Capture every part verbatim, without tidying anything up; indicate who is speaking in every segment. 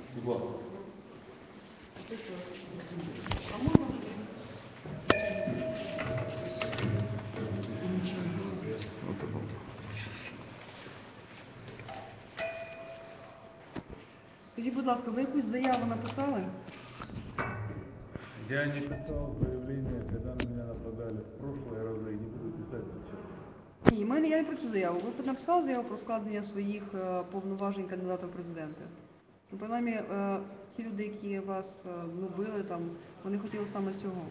Speaker 1: Будь ласка.
Speaker 2: А можна? Скажіть, будь ласка, ви якусь заяву написали?
Speaker 3: Я не писал заявление, когда на меня нападали в прошлые разы, и не буду писать сейчас.
Speaker 2: Ні, мене я не про цю заяву. Ви написали заяву про складення своїх е, повноважень кандидата в президенти? Ну, принаймні, е, ті люди, які вас е, ну, били, там, вони хотіли саме цього.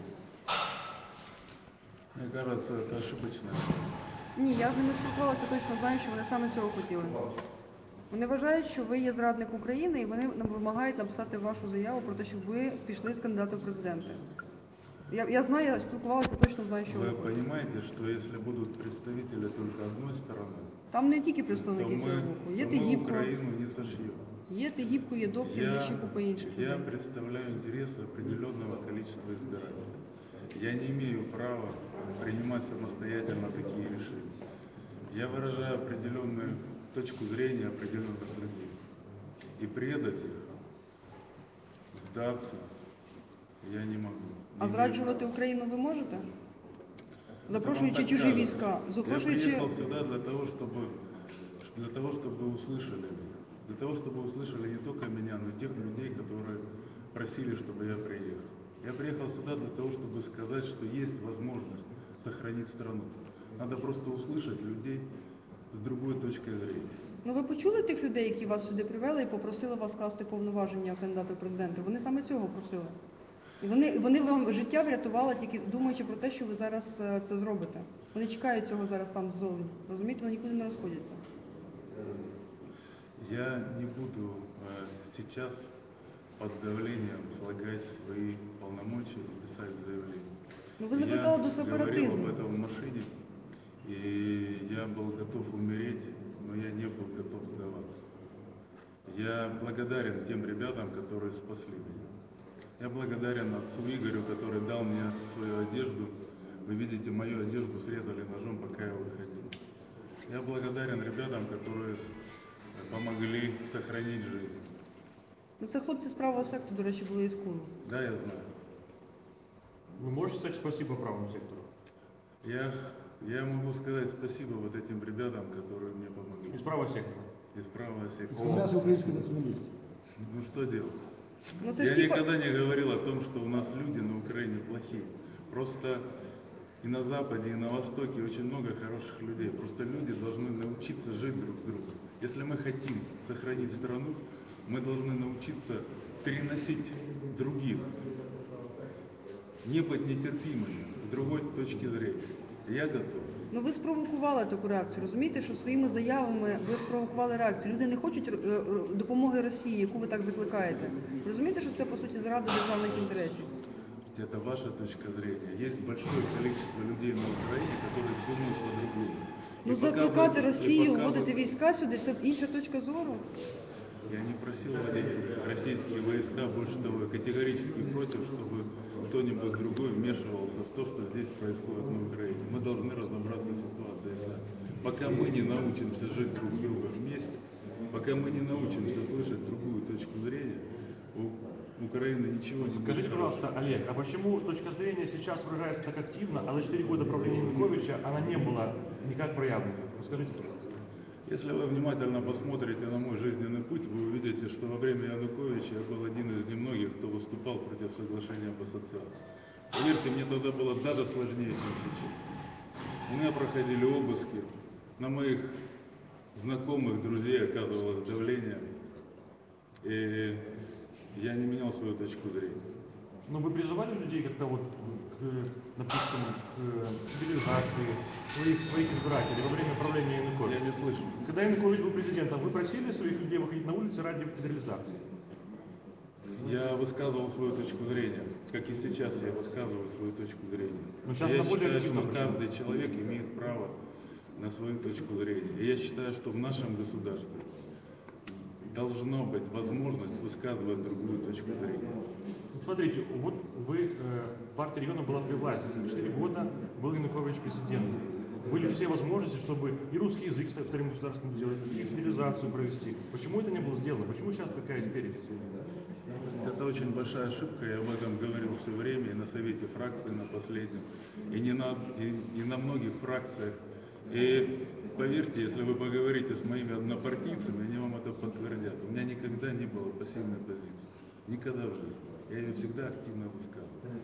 Speaker 3: Мне кажется, это ошибочно.
Speaker 2: Ні, я з ними спілкувалася, точно знаю, що вони саме цього хотіли. Вони вважають, що ви є зрадник України, і вони нам вимагають написати вашу заяву про те, щоб ви пішли з кандидата в президенти. Я, я знаю, я спілкувалася, точно знаю, що
Speaker 3: Вы
Speaker 2: ви хочете.
Speaker 3: понимаете, что если будут представители только одной стороны,
Speaker 2: Там не тільки
Speaker 3: то
Speaker 2: представники цього
Speaker 3: мы,
Speaker 2: боку. Є
Speaker 3: то мы
Speaker 2: Тегібко,
Speaker 3: Украину не сошьем.
Speaker 2: є Тегібко, є Добкін, є
Speaker 3: Я,
Speaker 2: ще купа інших
Speaker 3: я
Speaker 2: людей.
Speaker 3: представляю интересы определенного количества избирателей. Я не имею права принимать самостоятельно такие решения. Я выражаю определенную точку зрения определенных людей. И предать их, сдаться я не могу.
Speaker 2: А
Speaker 3: Не
Speaker 2: зраджувати
Speaker 3: имею
Speaker 2: Україну ви можете?
Speaker 3: права.
Speaker 2: Запрошуючи
Speaker 3: Это вам
Speaker 2: чужі
Speaker 3: так
Speaker 2: війська,
Speaker 3: кажется. Я
Speaker 2: запрошуючи...
Speaker 3: приехал сюда для того, чтобы, для того, чтобы услышали меня. Для того, чтобы услышали не только меня, но и тех людей, которые просили, чтобы я приехал. Я приехал сюда для того, чтобы сказать, что есть возможность сохранить страну. Надо просто услышать людей с другой точки зрения.
Speaker 2: Ну ви почули тих людей, які вас сюди привели і попросили вас скласти повноваження кандидата в президенти? Вони саме цього просили. І вони, вони вам життя врятували, тільки думаючи про те, що ви зараз е, це зробите. Вони чекають цього зараз там ззовні. Розумієте, вони нікуди не розходяться.
Speaker 3: Я не буду э, сейчас под давлением слагать свои полномочия и писать заявление.
Speaker 2: Ну ви закликали до
Speaker 3: Я
Speaker 2: сепаратизму.
Speaker 3: говорил об этом в машине, и я был готов умереть, но я не был готов сдаваться. Я благодарен тем ребятам, которые спасли меня. Я благодарен отцу Игорю, который дал мне свою одежду. Вы видите, мою одежду срезали ножом, пока я выходил. Я благодарен ребятам, которые помогли сохранить жизнь.
Speaker 2: Ну це хлопці з правого сектору, до речі, були із Куру.
Speaker 3: Да, я знаю.
Speaker 1: Вы можете сказать спасибо правому сектору?
Speaker 3: Я, я могу сказать спасибо вот этим ребятам, которые мне помогли.
Speaker 1: Из правого сектора.
Speaker 3: Из правого сектора.
Speaker 4: Скондрас украинской национальности.
Speaker 3: Ну что делать?
Speaker 2: Ну це ж
Speaker 3: Я
Speaker 2: ті...
Speaker 3: никогда не говорил о том, что у нас люди на Украине плохие. Просто и на Западе, и на Востоке очень много хороших людей. Просто люди должны научиться жить друг с другом. Если мы хотим сохранить страну, мы должны научиться переносить других, не быть нетерпимыми с другой точки зрения. Я готов.
Speaker 2: Ну ви спровокували таку реакцію. Розумієте, що своїми заявами ви спровокували реакцію. Люди не хочуть е, е, допомоги Росії, яку ви так закликаєте. Розумієте, що це по суті зрада державних інтересів?
Speaker 3: Это ваша точка зрения. Есть большое количество людей на Украине, которые думают по-другому.
Speaker 2: Ну
Speaker 3: И пока
Speaker 2: закликати
Speaker 3: вы- и
Speaker 2: Росію,
Speaker 3: пока
Speaker 2: вводити
Speaker 3: вы-
Speaker 2: війська сюди, це інша точка зору.
Speaker 3: Я не просил вводить российские войска, больше того, я категорически против, чтобы кто-нибудь другой вмешивался в то, что здесь происходит на Украине. Мы должны разобраться с ситуацией сами. Пока мы не научимся жить друг с другом вместе, пока мы не научимся слышать другую точку зрения, у Украины ничего не будет.
Speaker 1: Скажите, пожалуйста, Олег, а почему точка зрения сейчас выражается так активно, а за четыре года правления Януковича она не была никак проявлена? Скажите, пожалуйста.
Speaker 3: Если вы внимательно посмотрите на мой жизненный путь, вы увидите, что во время Януковича я был один из немногих, кто выступал против соглашения об ассоциации. Поверьте, мне тогда было даже сложнее, чем сейчас. У меня проходили обыски, на моих знакомых, друзей оказывалось давление, и я не менял свою точку зрения.
Speaker 1: Но вы призывали людей как-то вот к, допустим, к мобилизации своих, своих избирателей во время правления
Speaker 3: Я
Speaker 1: Януковича?
Speaker 3: не слышу.
Speaker 1: Когда Янукович был президентом, вы просили своих людей выходить на улицы ради федерализации?
Speaker 3: Я высказывал свою точку зрения, как и сейчас я высказываю свою точку зрения.
Speaker 1: Ну, сейчас
Speaker 3: я
Speaker 1: на более
Speaker 3: считаю,
Speaker 1: активном
Speaker 3: что
Speaker 1: почему?
Speaker 3: каждый человек имеет право на свою точку зрения. И я считаю, что в нашем государстве должна быть возможность высказывать другую точку зрения.
Speaker 1: Смотрите, вот вы, э, партия региона была при власти, четыре года был Янукович президентом. Были все возможности, чтобы и русский язык стать вторым государством сделать, и федерализацию провести. Почему это не было сделано? Почему сейчас такая истерика?
Speaker 3: очень большая ошибка, я об этом говорил все время и на совете фракции на последнем, и, не на, и, и на многих фракциях. И поверьте, если вы поговорите с моими однопартийцами, они вам это подтвердят. У меня никогда не было пассивной позиции. Никогда в жизни. Я ее всегда активно высказывал.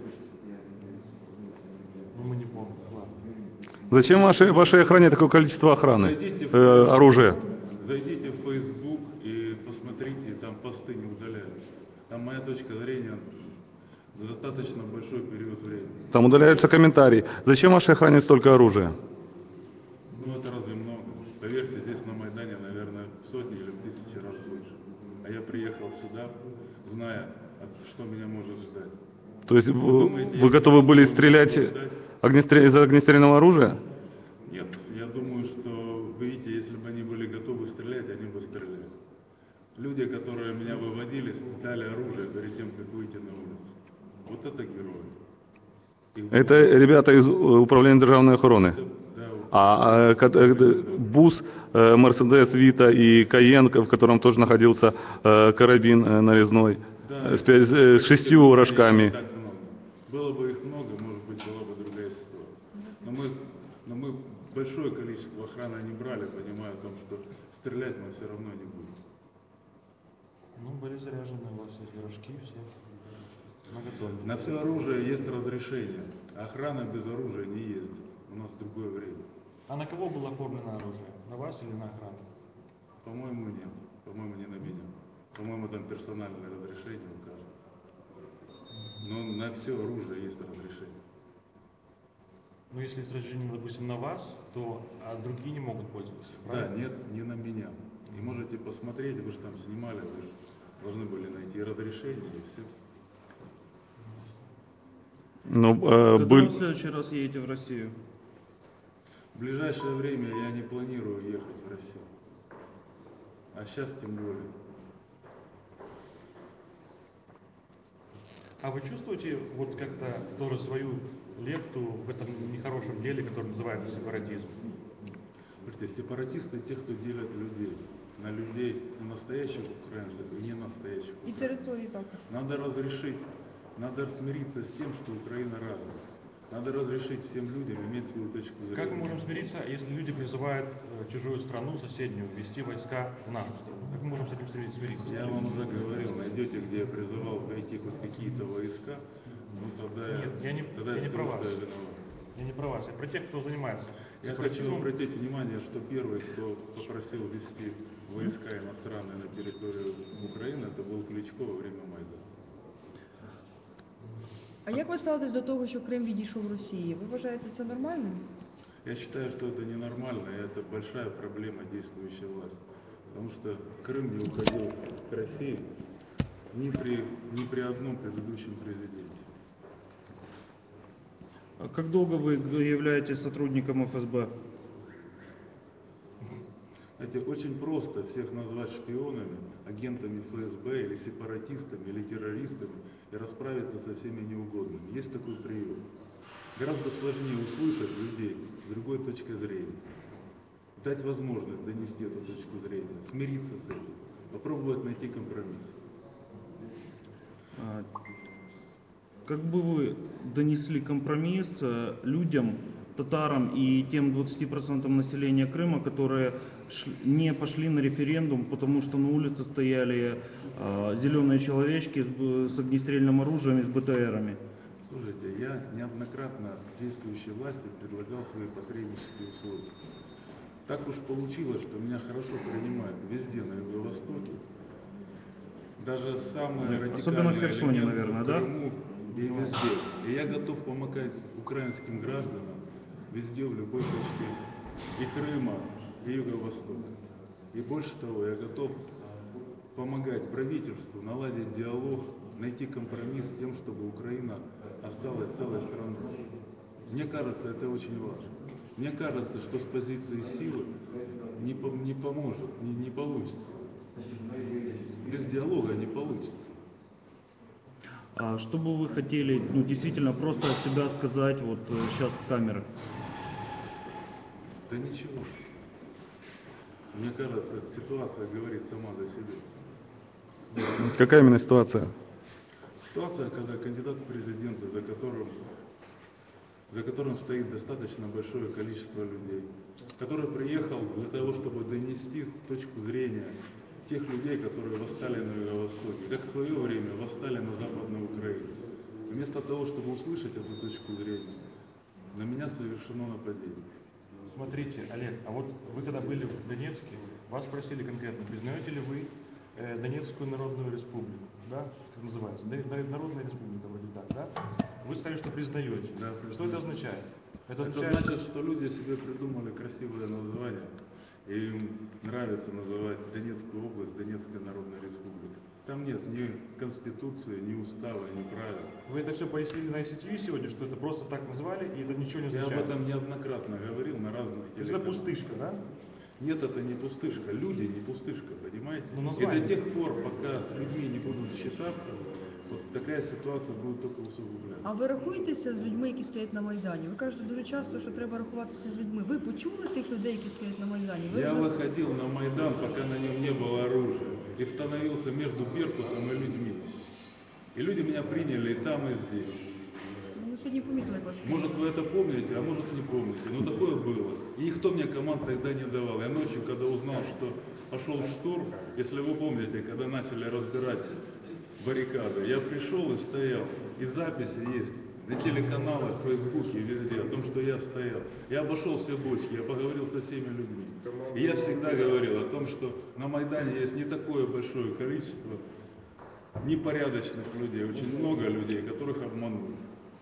Speaker 1: Ну, мы не помним. Ладно.
Speaker 4: Зачем вашей, вашей охране такое количество охраны,
Speaker 3: Зайдите в,
Speaker 4: э, оружия?
Speaker 3: зайдите в Facebook и посмотрите, там посты не удаляются. Там моя точка зрения достаточно большой период времени.
Speaker 4: Там удаляются комментарии. Зачем вашей охране столько оружия?
Speaker 3: Ну это разве много? Поверьте, здесь на Майдане, наверное, в сотни или в тысячи раз больше. А я приехал сюда, зная, что меня может ждать.
Speaker 4: То есть вы,
Speaker 3: думаете,
Speaker 4: вы
Speaker 3: я
Speaker 4: готовы были
Speaker 3: могу
Speaker 4: стрелять
Speaker 3: ждать?
Speaker 4: огнестрел... из огнестрельного оружия?
Speaker 3: Нет, я думаю, что, видите, если бы они были готовы стрелять, они бы стреляли. Люди, которые меня выводили, сдали оружие перед тем, как выйти на улицу. Вот это герои. Их
Speaker 4: Это
Speaker 3: было-
Speaker 4: ребята из э, управления державной охраны.
Speaker 3: Да,
Speaker 4: А э, ка- э, бус, э, Мерседес, Вита и Каен, в котором тоже находился э, карабин э, нарезной,
Speaker 3: да,
Speaker 4: э, с, пя- э, с шестью
Speaker 3: людей
Speaker 4: рожками.
Speaker 3: не так много. Было бы их много, может быть, была бы другая ситуация. Но мы, но мы большое количество охраны не брали, понимая о том, что стрелять мы все равно не будем.
Speaker 1: Ну, были заряжены у вас эти рожки все. Наготове.
Speaker 3: На все оружие есть разрешение. Охрана без оружия не ездит. У нас другое время.
Speaker 1: А на кого было оформлено оружие? На вас или на охрану?
Speaker 3: По-моему, нет. По-моему, не на меня. По-моему, там персональное разрешение у каждого. Но на все оружие есть разрешение.
Speaker 1: Ну, если есть разрешение, допустим, на вас, то а другие не могут пользоваться,
Speaker 3: Да,
Speaker 1: правильно?
Speaker 3: нет, не на меня. И можете посмотреть, вы же там снимали, вы же должны были найти разрешение и все.
Speaker 4: Ну, э,
Speaker 5: Когда
Speaker 4: был...
Speaker 5: вы в следующий раз едете в Россию?
Speaker 3: В ближайшее время я не планирую ехать в Россию. А сейчас тем более.
Speaker 1: А вы чувствуете вот как-то тоже свою лепту в этом нехорошем деле, которое называется сепаратизм?
Speaker 3: Слушайте, сепаратисты те, кто делят людей. На людей, на настоящих украинцев и не настоящих
Speaker 2: І
Speaker 3: украинцев.
Speaker 2: території також.
Speaker 3: Надо разрешить, надо смириться с тем, что Украина разная. Надо разрешить всем людям иметь свою точку зрения.
Speaker 1: Как мы можем смириться, если люди призывают э, чужую страну, соседнюю, ввести войска в нашу страну? Как мы можем с этим смири- смириться?
Speaker 3: Я вам уже говорил, найдете, где я призывал пойти хоть какие-то войска, ну тогда
Speaker 1: Нет, я не-
Speaker 3: тогда
Speaker 1: я не
Speaker 3: скажу,
Speaker 1: про вас.
Speaker 3: что я виноват.
Speaker 1: Я не про вас, я про тех, кто занимается
Speaker 3: Я хочу
Speaker 1: сепаратизмом.
Speaker 3: обратить внимание, что первый, кто попросил ввести войска иностранные на территорию Украины, это был Кличко во время Майдана.
Speaker 2: А як ви ставитесь до того, що Крим відійшов Росії? Ви вважаєте це нормальним?
Speaker 3: Я считаю, что это ненормально, и это большая проблема действующей власти. Потому что Крым не уходил к России ни при, ни при одном предыдущем президенте.
Speaker 5: А как долго вы являетесь сотрудником эф эс бэ?
Speaker 3: Знаете, очень просто всех назвать шпионами, агентами эф эс бэ или сепаратистами, или террористами и расправиться со всеми неугодными. Есть такой прием. Гораздо сложнее услышать людей с другой точки зрения, дать возможность донести эту точку зрения, смириться с этим, попробовать найти компромисс.
Speaker 5: А, Как бы вы донесли компромисс э, людям, татарам и тем двадцати процентам населения Крыма, которые ш- не пошли на референдум, потому что на улице стояли э, зеленые человечки с, б- с огнестрельным оружием и с бэ тэ эрами?
Speaker 3: Слушайте, я неоднократно действующей власти предлагал свои посреднические услуги. Так уж получилось, что меня хорошо принимают везде на Юго-Востоке. Даже самые
Speaker 5: Да,
Speaker 3: радикальные
Speaker 5: особенно в Херсоне,
Speaker 3: элементы
Speaker 5: наверное,
Speaker 3: в
Speaker 5: да?
Speaker 3: Крыму и везде. И я готов помогать украинским гражданам везде, в любой точке и Крыма, и Юго-Востока. И больше того, я готов помогать правительству наладить диалог, найти компромисс с тем, чтобы Украина осталась целой страной. Мне кажется, это очень важно. Мне кажется, что с позиции силы не, по- не поможет, не, не получится. Без диалога не получится.
Speaker 5: А что бы вы хотели, ну, действительно, просто от себя сказать вот э, сейчас в камеры?
Speaker 3: Да ничего. Мне кажется, ситуация говорит сама за себя.
Speaker 4: Какая именно ситуация?
Speaker 3: Ситуация, когда кандидат в президенты, за которым, за которым стоит достаточно большое количество людей, который приехал для того, чтобы донести точку зрения тех людей, которые восстали на Юго-Востоке, как в свое время восстали на Западной Украине. Вместо того, чтобы услышать эту точку зрения, на меня совершено нападение.
Speaker 1: Смотрите, Олег, а вот вы когда были в Донецке, вас спросили конкретно, признаете ли вы э, Донецкую Народную Республику, да, как называется, Д- Народная Республика, вроде так, да? Вы сказали, что признаете.
Speaker 3: Да,
Speaker 1: Что
Speaker 3: признаю.
Speaker 1: это означает? Это,
Speaker 3: Это
Speaker 1: означает,
Speaker 3: значит, что люди себе придумали красивое название, и им нравится называть Донецкую область Донецкая Народная Республика. Там нет ни конституции, ни устава, ни правил.
Speaker 1: вы это все пояснили на ай си ти ви сегодня, что это просто так назвали, и это ничего не
Speaker 3: Я об
Speaker 1: означает.
Speaker 3: этом неоднократно говорил на разных
Speaker 1: То есть это
Speaker 3: телеканалах.
Speaker 1: пустышка, да?
Speaker 3: Нет, это не пустышка. Люди не пустышка, понимаете?
Speaker 1: Ну,
Speaker 3: И
Speaker 1: название.
Speaker 3: до тех пор, пока с людьми не будут считаться, вот такая ситуация будет только усугубляться.
Speaker 2: А ви рахуєтеся з людьми, які стоять на Майдані? Ви кажете дуже часто, що треба рахуватися з людьми. Ви почули тих людей, які стоять на Майдані? Ви
Speaker 3: Я выходил на Майдан, пока на нем не было оружия, и становился между Беркутом и людьми. И люди меня приняли и там, и здесь.
Speaker 2: Ну, сьогодні помітили, як вас
Speaker 3: Может, вы это помните, а может, не помните. Но такое было. И никто мне команд тогда не давал. Я ночью, когда узнал, что пошел штурм, если вы помните, когда начали разбирать баррикады, я пришел и стоял. И записи есть на телеканалах, в Фейсбуке, везде, о том, что я стоял. Я обошел все бочки, я поговорил со всеми людьми. И я всегда говорил о том, что на Майдане есть не такое большое количество непорядочных людей, очень много людей, которых обманули.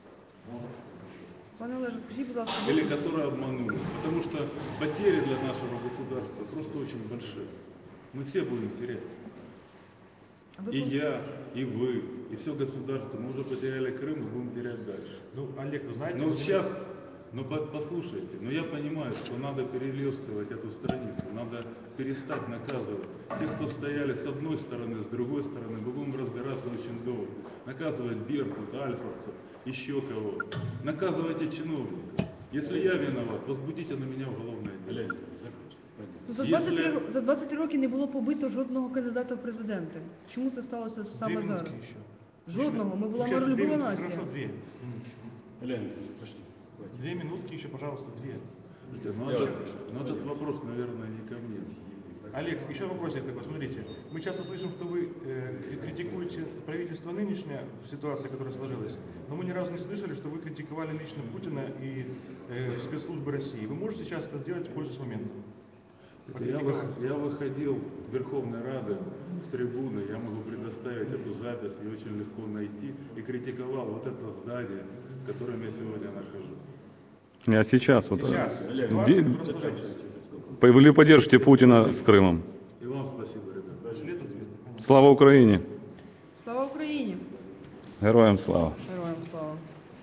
Speaker 2: Пане Олеже, скажіть, будь ласка,
Speaker 3: Или которые обманули. Потому что потери для нашего государства просто очень большие. Мы все будем терять.
Speaker 2: а ви
Speaker 3: И
Speaker 2: пов-
Speaker 3: я, и вы, и все государство. Мы уже потеряли Крым и будем терять дальше.
Speaker 1: Ну, Олег, вы знаете...
Speaker 3: Но
Speaker 1: вы-
Speaker 3: вот сейчас, ну по- послушайте, но я понимаю, что надо перелистывать эту страницу, надо перестать наказывать. Те, кто стояли с одной стороны, с другой стороны, мы будем разбираться очень долго. Наказывать Беркут, Альфовцев, еще кого. Наказывайте чиновников. Если я виноват, возбудите на меня уголовное дело.
Speaker 2: Ну, За двадцять три,
Speaker 3: Якщо-
Speaker 2: ро- за двадцять три роки не було побито жодного кандидата в президенти. Чому це сталося
Speaker 1: Две
Speaker 2: саме
Speaker 1: минутки
Speaker 2: зараз?
Speaker 1: еще.
Speaker 2: Жодного. Ми була
Speaker 1: Сейчас две
Speaker 2: миролюбова
Speaker 1: минутки,
Speaker 2: нація.
Speaker 1: Хорошо, две.
Speaker 6: Леонид, пошли.
Speaker 1: Две минутки еще, пожалуйста, две.
Speaker 3: Слушайте, ну, этот, ну, этот вопрос, наверное, не ко мне.
Speaker 1: Олег, еще вопросик такой, смотрите. Мы часто слышим, что вы э, критикуете правительство нынешнее, ситуация, которая сложилась, но мы ни разу не слышали, что вы критиковали лично Путина и э, спецслужбы России. Вы можете сейчас это сделать, пользуясь моментом?
Speaker 3: Это Я, вы- я выходил в Верховной Рады с трибуны, я могу предоставить эту запись, ее очень легко найти, и критиковал вот это здание, в котором я сегодня нахожусь.
Speaker 4: А сейчас вот
Speaker 1: Сейчас.
Speaker 4: э,
Speaker 1: Ситуация,
Speaker 4: ди-
Speaker 1: которая сложилась.
Speaker 4: вы поддержите Путина с Крымом.
Speaker 3: И вам спасибо, ребята.
Speaker 1: Шлет ответ.
Speaker 4: Слава Україні!
Speaker 2: Слава Україні!
Speaker 4: Героям слава!
Speaker 2: Героям слава!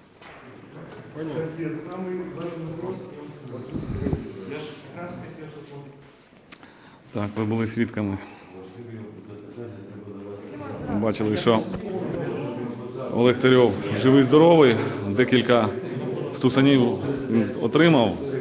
Speaker 1: Самый важный вопрос. Я же как раз хотел, чтобы он...
Speaker 4: Так, ви були свідками. Бачили, що Олег Царьов живий, здоровий, декілька стусанів він отримав.